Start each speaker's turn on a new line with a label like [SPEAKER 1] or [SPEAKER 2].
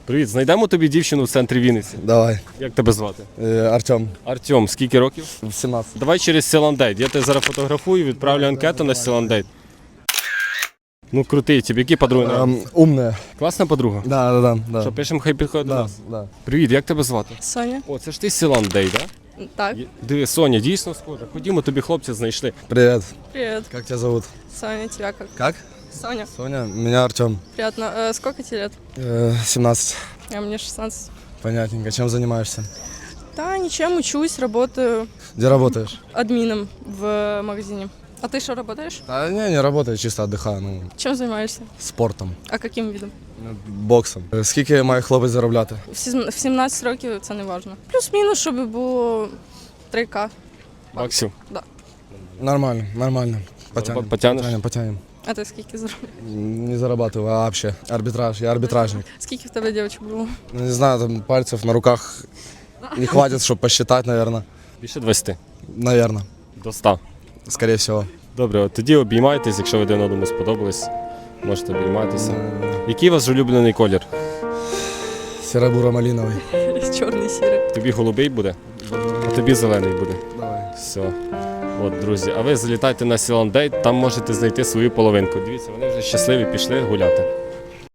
[SPEAKER 1] Привіт, знайдемо тобі дівчину в центрі Вінниці.
[SPEAKER 2] Давай.
[SPEAKER 1] Як тебе звати?
[SPEAKER 2] Артем.
[SPEAKER 1] Артем, скільки років?
[SPEAKER 2] 17.
[SPEAKER 1] Давай через Сіландейт. Я тебе зараз фотографую, відправлю анкету на Сіландейт. Ну крутий, тебе які подруги?
[SPEAKER 2] Умная.
[SPEAKER 1] Класна подруга?
[SPEAKER 2] Да.
[SPEAKER 1] Що, пишемо, хай підходить до
[SPEAKER 2] Да,
[SPEAKER 1] нас.
[SPEAKER 2] да.
[SPEAKER 1] Привіт, як тебе звати?
[SPEAKER 3] Соня.
[SPEAKER 1] О, це ж ти з Сіландейт, так?
[SPEAKER 3] Так.
[SPEAKER 1] Диви, Соня, дійсно схожа. Ходімо, тобі хлопця знайшли.
[SPEAKER 2] Привет.
[SPEAKER 3] Привет.
[SPEAKER 2] Как тебя зовут?
[SPEAKER 3] Соня, тебя как?
[SPEAKER 2] Как?
[SPEAKER 3] Соня.
[SPEAKER 2] Соня. Меня Артем.
[SPEAKER 3] Приятно. Сколько тебе лет?
[SPEAKER 2] 17.
[SPEAKER 3] А мне 16.
[SPEAKER 2] Понятненько. Чем занимаешься?
[SPEAKER 3] Да, ничем, учусь, работаю
[SPEAKER 2] Где работаешь?
[SPEAKER 3] админом в магазине. А ты что, работаешь?
[SPEAKER 2] Да не работаю, чисто отдыхаю. Ну,
[SPEAKER 3] Чем занимаешься?
[SPEAKER 2] спортом.
[SPEAKER 3] А каким видом?
[SPEAKER 2] Боксом. Скільки має хлопець заробляти?
[SPEAKER 3] В 17 років це не важно. Плюс-мінус, щоб було 3К.
[SPEAKER 1] Максим,
[SPEAKER 2] Нормально. Потянем.
[SPEAKER 1] Потянеш?
[SPEAKER 2] Потянем.
[SPEAKER 3] А ти скільки заробляєш?
[SPEAKER 2] Не зарабатываю, а вообще. Арбитраж. Я арбитражник.
[SPEAKER 3] Скільки в тебе дівчат було?
[SPEAKER 2] Ну, не знаю, там пальцев на руках не хватит, чтобы посчитать, наверное.
[SPEAKER 1] більше 20.
[SPEAKER 2] Наверное.
[SPEAKER 1] До 100.
[SPEAKER 2] Скорее всего.
[SPEAKER 1] Добре, от тоді обіймайтесь, якщо ви один одному сподобались, можете обійматися. Який у вас улюблений колір?
[SPEAKER 2] Серо-буро-малиновый.
[SPEAKER 3] Чорний сірий.
[SPEAKER 1] Тобі голубий буде, а тобі зелений буде.
[SPEAKER 2] Давай.
[SPEAKER 1] Все. От, друзі, а ви залітайте на Сіландейт, там можете знайти свою половинку. Дивіться, вони вже щасливі, пішли гуляти.